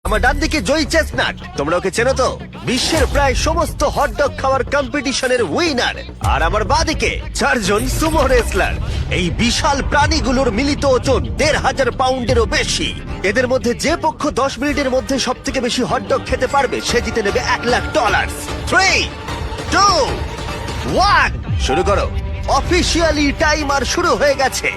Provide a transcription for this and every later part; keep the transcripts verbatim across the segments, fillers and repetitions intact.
আমার ডান দিকে জয়ী চেস্টনাট, তোমরা ওকে চেনো তো, বিশ্বের প্রায় সমস্ত হটডগ খাওয়ার কম্পিটিশনের উইনার। আর আমার বাঁদিকে চারজন সুমো রেসলার। এই বিশাল প্রাণীগুলোর মিলিত ওজন দেড় হাজার পাউন্ডেরও বেশি। এদের মধ্যে যে পক্ষ দশ মিনিটের মধ্যে সব থেকে বেশি হটডগ খেতে পারবে সে জিতে নেবে এক lakh dollar. Three two one, শুরু করো। অফিসিয়ালি টাইমার শুরু হয়ে গেছে।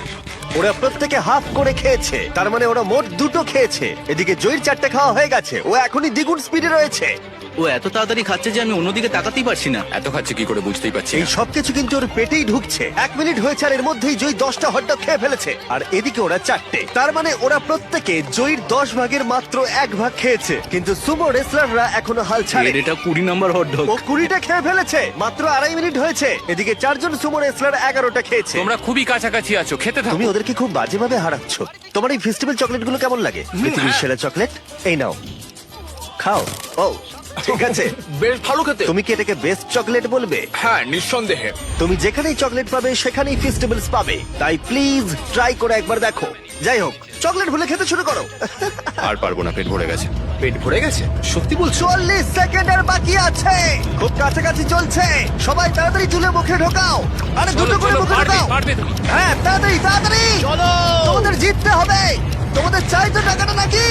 ওরা প্রত্যেকে হাফ করে খেয়েছে, তার মানে ওরা মোট দুটো খেয়েছে। এদিকে জয়ীর চারটে খাওয়া হয়ে গেছে, ও এখনই দ্বিগুণ স্পিডে রয়েছে। ও এত তাড়াতাড়ি খাচ্ছে যে আমি অন্যদিকে তাকাতেই পারছি না। এত খাচ্ছে কি করে বুঝতেই পারছি এই না। সবকিছু কিন্তু ওর পেটেই ঢুকছে। এক মিনিট হয়েছে আর এর মধ্যেই জয়ী দশটা হটডগ খেয়ে ফেলেছে, আর এদিকে ওরা চারটে। তার মানে ওরা প্রত্যেকে জয়ীর দশ ভাগের মাত্র এক ভাগ খেয়েছে। কিন্তু সুমো রেসলাররা এখনো হাল ছাড়ে। এর এটা কুড়ি নম্বর হট ডগ। ও কুড়িটা খেয়ে ফেলেছে, মাত্র আড়াই মিনিট হয়েছে। এদিকে চারজন সুমো রেসলার এগারোটা খেয়েছে। তোমরা খুবই কাছাকাছি আছো, খেতে থাকো। তুমি ওদেরকে খুব বাজেভাবে হারাচ্ছ। তোমার এই ফেস্টিভ্যাল চকলেট গুলো কেমন লাগে? পৃথিবীর সেরা চকলেট, এই নাও, খাও। ও ঠিক আছে, বেশ ভালো খেতে। তুমি কি এটাকে বেস্ট চকলেট বলবে? হ্যাঁ, নিঃসন্দেহে। তুমি যেখানেই চকলেট পাবে সেখানেই ফেস্টিভ্যালস পাবে, তাই প্লিজ ট্রাই করে একবার দেখো। যাই হোক, চকলেট ভুলে খেতে শুরু করো। আর পারবো না, পেট ভরে গেছে। পেট ভরে গেছে? সত্যি বলছো? চল্লিশ সেকেন্ড আর বাকি আছে, খুব কাছাকাছি চলছে। সবাই তাড়াতাড়ি তুলে মুখে ঢোকাও। আরে দুটো করে মুখে ঢোকাও। পারবে তুমি। হ্যাঁ, তাড়াতাড়ি তাড়াতাড়ি চলো। তোমাদের জিততে হবে। তোমাদের চাই তো টাকাটা নাকি?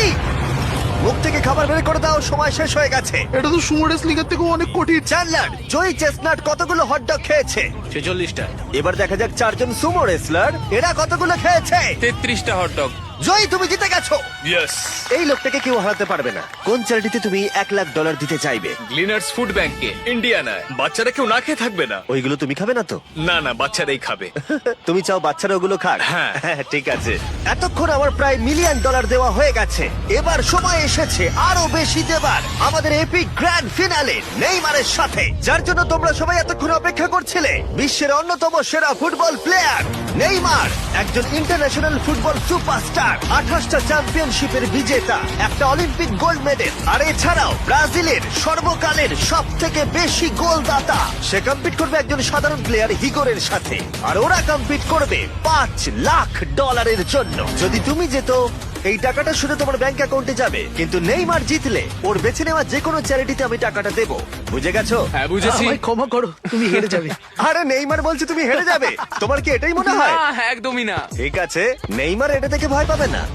মুখ থেকে খাবার বের করে দাও, সময় শেষ হয়ে গেছে। এটা তো সুমো রেসলিং এর থেকেও অনেক কঠিন। চ্যান্ডলার, জয়ী চেস্টনাট কতগুলো হটডগ খেয়েছে? ছেচল্লিশটা। এবার দেখা যাক চারজন সুমো রেসলার এরা কতগুলো খেয়েছে। তেত্রিশটা হট ডগ। জয়ী, তুমি জিতে গেছো। ইয়েস। এই লোকটাকে কেউ হারাতে পারবে না। কোন চ্যারিটিতে তুমি এক লাখ ডলার দিতে চাইবে? গ্লিনার্স ফুড ব্যাংকে, ইন্ডিয়ানায়। বাচ্চারা কেউ না খেয়ে থাকবে না। ওইগুলো তুমি খাবে না তো? না না, বাচ্চারাই খাবে। তুমি চাও বাচ্চারা ওগুলো খাক? হ্যাঁ। ঠিক আছে। এতক্ষণ আমার প্রায় মিলিয়ন ডলার দেওয়া হয়ে গেছে। এবার সময় এসেছে আরো বেশি দেবার, আমাদের এপিক গ্র্যান্ড ফিনালে নেইমারের সাথে, যার জন্য তোমরা সবাই এতক্ষণ অপেক্ষা করছিলে। বিশ্বের অন্যতম সেরা ফুটবল প্লেয়ার নেইমার, একজন ইন্টারন্যাশনাল ফুটবল সুপারস্টার, আঠাশটা চ্যাম্পিয়নশিপের বিজেতা, একটা অলিম্পিক গোল্ড মেডেল, আর এছাড়াও ব্রাজিলের সর্বকালের সব থেকে বেশি গোলদাতা। সে কম্পিট করবে একজন সাধারণ প্লেয়ার হিগোরের সাথে, আর ওরা কম্পিট করবে পাঁচ লাখ ডলারের জন্য। যদি তুমি যেত, এই টাকাটা শুধু তোমার ব্যাংক অ্যাকাউন্টে যাবে, কিন্তু নেইমার জিতলে ওর বেছে নেওয়া যে কোনো চ্যারিটিতে আমি টাকাটা দেবো। বুঝে গেছো? হ্যাঁ, বুঝেছি। আমায় ক্ষমা করো, তুমি হেরে যাবে। আরে নেইমার বলছে তুমি হেরে যাবে, তোমার কি এটাই মনে হয়? না, একদমই না। ঠিক আছে, নেইমার এটা থেকে ভয় পাবে না।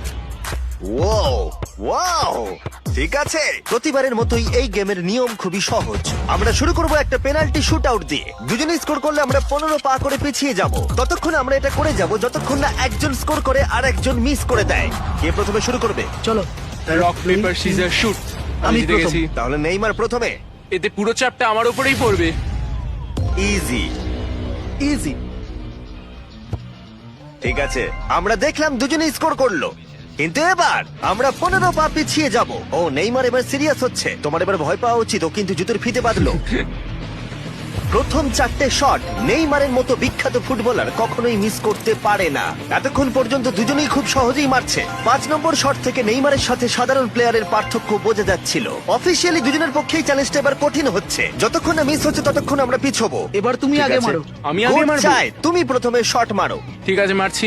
ওয়াও ওয়াও, ঠিক আছে। প্রতিবারের মতোই এই গেমের নিয়ম খুবই সহজ। আমরা শুরু করব একটা পেনাল্টি শুট আউট দিয়ে। দুজনে স্কোর করলে আমরা পনেরো পা করে পিছিয়ে যাব। ততক্ষণ আমরা এটা করে যাব যতক্ষণ না একজন স্কোর করে আর একজন মিস করে দেয়। কে প্রথমে শুরু করবে? চলো। Rock paper scissor shoot. আমি আমি জিতে প্রথম। গেছি। তাহলে নেইমার প্রথমে। এতে পুরো চাপটা আমার উপরেই পড়বে। ইজি। ইজি। ঠিক আছে, আমরা দেখলাম দুজনেই স্কোর করলো, কিন্তু এবার আমরা পনেরো পা পিছিয়ে যাব। ও নেইমার এবার সিরিয়াস হচ্ছে। তোমার এবার ভয় পাওয়া উচিত, ও কিন্তু জুতোর ফিতে বাঁধলো। প্রথম চারটে শট নেইমারের মতো বিখ্যাত ফুটবলার কখনোই মিস করতে পারে না। এতক্ষণ পর্যন্ত দুজনেই খুব সহজেই মারছে। পাঁচ নম্বর শট থেকে নেইমারের সাথে সাধারণ প্লেয়ারের পার্থক্য বোঝা যাচ্ছিল। অফিসিয়ালি দুজনের পক্ষেই চ্যালেঞ্জটা এবার কঠিন হচ্ছে। যতক্ষণ না মিস হচ্ছে ততক্ষণ আমরা পিছবো। এবার তুমি ঠিক আগে আছে? মারো। আমি আগে কোচ মারবো? চায় তুমি প্রথমে শট মারো। ঠিক আছে, মারছি।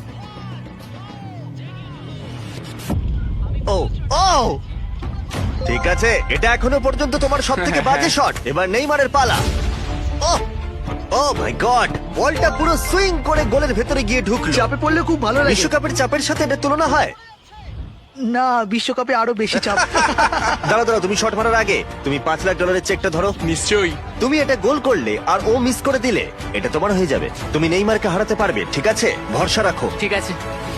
ও ও ঠিক আছে, এটা এখনো পর্যন্ত তোমার সব থেকে বাজে শট। এবার নেইমারের পালা। ও ও মাই গড, বলটা পুরো সুইং করে গোলের ভেতরে গিয়ে ঢুকলো। চাপে পড়লে খুব ভালো লাগে। বিশ্বকাপের চাপের সাথে এটা তুলনা হয়? না, বিশ্বকাপে আরো বেশি চাপ। দাঁড়াও দাঁড়াও, তুমি শট মারার আগে তুমি পাঁচ লাখ ডলারের চেকটা ধরো। নিশ্চয়ই। তুমি এটা গোল করলে আর ও মিস করে দিলে এটা তোমার হয়ে যাবে। তুমি নেইমারকে হারাতে পারবে, ঠিক আছে? ভরসা রাখো। ঠিক আছে।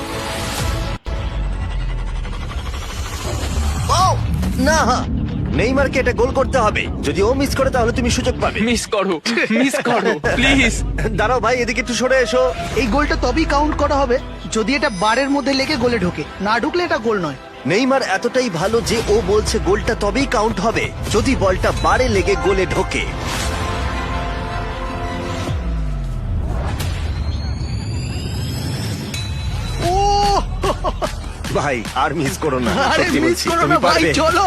ও না, নেইমারকে এটা গোল করতে হবে। যদি ও মিস করে তাহলে তুমি সুযোগ পাবে। মিস করো, মিস করো প্লিজ। দাঁড়াও ভাই, এদিকে একটু সরে এসো। এই গোলটা তবেই কাউন্ট করা হবে যদি এটা বারের মধ্যে লেগে গোলে ঢোকে। না ঢুকলে এটা গোল নয়। নেইমার এতটাই ভালো যে ও বলছে গোলটা তবেই কাউন্ট হবে যদি বলটা বারে লেগে গোলে ঢোকে। ও ভাই আর মিস করো না, আরে সত্যি মিস বলছি, করো তুমি না ভাই, পারবে। চলো।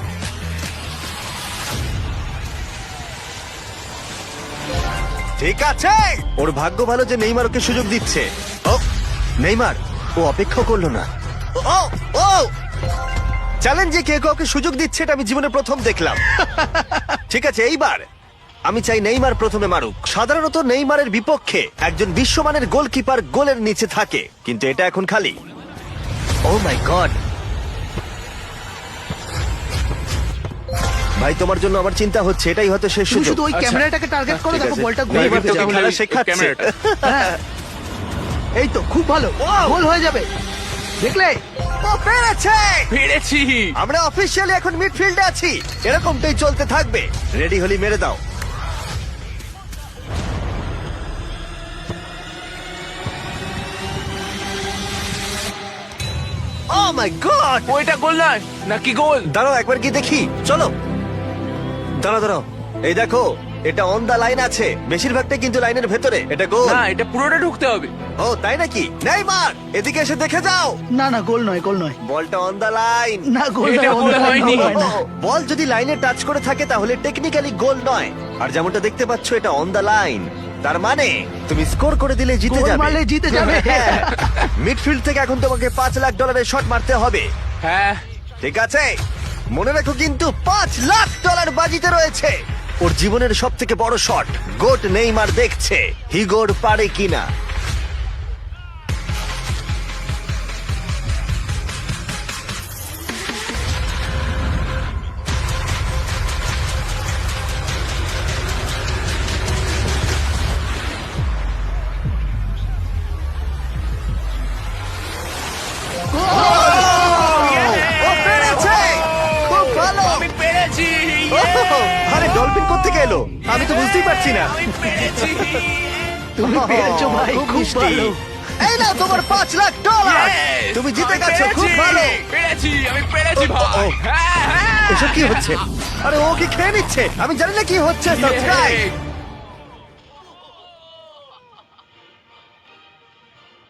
ঠিক আছে, ওর ভাগ্য ভালো যে নেইমার ওকে সুযোগ দিচ্ছে। ও নেইমার, ও অপেক্ষা করলো না। ও ও চ্যালেঞ্জে কে কাউকে সুযোগ দিচ্ছে এটা আমি জীবনে প্রথম দেখলাম। ঠিক আছে, এইবার আমি চাই নেইমার প্রথমে মারুক। সাধারণত নেইমারের বিপক্ষে একজন বিশ্বমানের গোলকিপার গোলের নিচে থাকে, কিন্তু এটা এখন খালি। Oh my God! ভাই, তোমার জন্য আমার চিন্তা হচ্ছে, এটাই হয়তো শেষ তুমি সুযোগ। শুধু ওই আচ্ছা, ক্যামেরাটাকে টার্গেট করো, ঠিক দেখো আছে। বলটা ঘুরে নেইমার যাবে। তোকে তাহলে খেলা ওই শেখাচ্ছে। ক্যামেরাটা। হ্যাঁ। এই তো খুব ভালো, গোল হয়ে যাবে, দেখলে? ও পেরেছে! পেরেছি। আমরা অফিসিয়ালি এখন মিডফিল্ডে আছি। এরকমটাই চলতে থাকবে। রেডি হলি মেরে দাও। Oh my God! ওইটা গোল নয় নাকি গোল? দাঁড়াও একবার কি দেখি, চলো। দাঁড়াও দাঁড়াও, এই দেখো, এটা অন দা লাইন আছে। বেশিরভাগটা কিন্তু লাইনের ভেতরে। এটা গোল। না, এটা পুরোটা ঢুকতে হবে। ও তাই নাকি? নেইমার, এদিকে এসে দেখে যাও। না না, গোল নয়, গোল নয়। বলটা অন দা লাইন। না, গোল এটা নয়, গোল গোল হয়নি। হয় না। বল যদি লাইনে টাচ করে থাকে তাহলে টেকনিক্যালি গোল নয়। আর যেমনটা দেখতে পাচ্ছ, এটা অন দা লাইন। তার মানে তুমি স্কোর করে দিলে জিতে গোল যাবে। মারলে জিতে যাবে। মিডফিল্ড থেকে এখন তোমাকে পাঁচ লাখ ডলারের শট মারতে হবে। হ্যাঁ, ঠিক আছে, মনে রাখো কিন্তু পাঁচ লাখ ডলার বাজিতে রয়েছে। ওর জীবনের সব থেকে বড় শট। গোট নেইমার দেখছে হিগোর পারে কিনা। ও পেরেছে! খুব ভালো! আমি পেরেছি। ওহ, আরে ডলফিন কোত্থেকে এলো? আমি তো বুঝতেই পারছি না। আমি পেরেছি। তুমি পেরেছো ভাই, খুব খুব মিষ্টি। ভালো। এই নাও তোমার পাঁচ লাখ ডলার। Yes! তুমি জিতে আমি গেছো, খুব পেরেছি। ভালো। পেরেছি, আমি পেরেছি ও, ও, ভাই। ও। হ্যাঁ, হ্যাঁ। এসব কি হচ্ছে? আরে ও কি খেয়ে নিচ্ছে? আমি জানি না কি হচ্ছে। সাবস্ক্রাইব। Yay!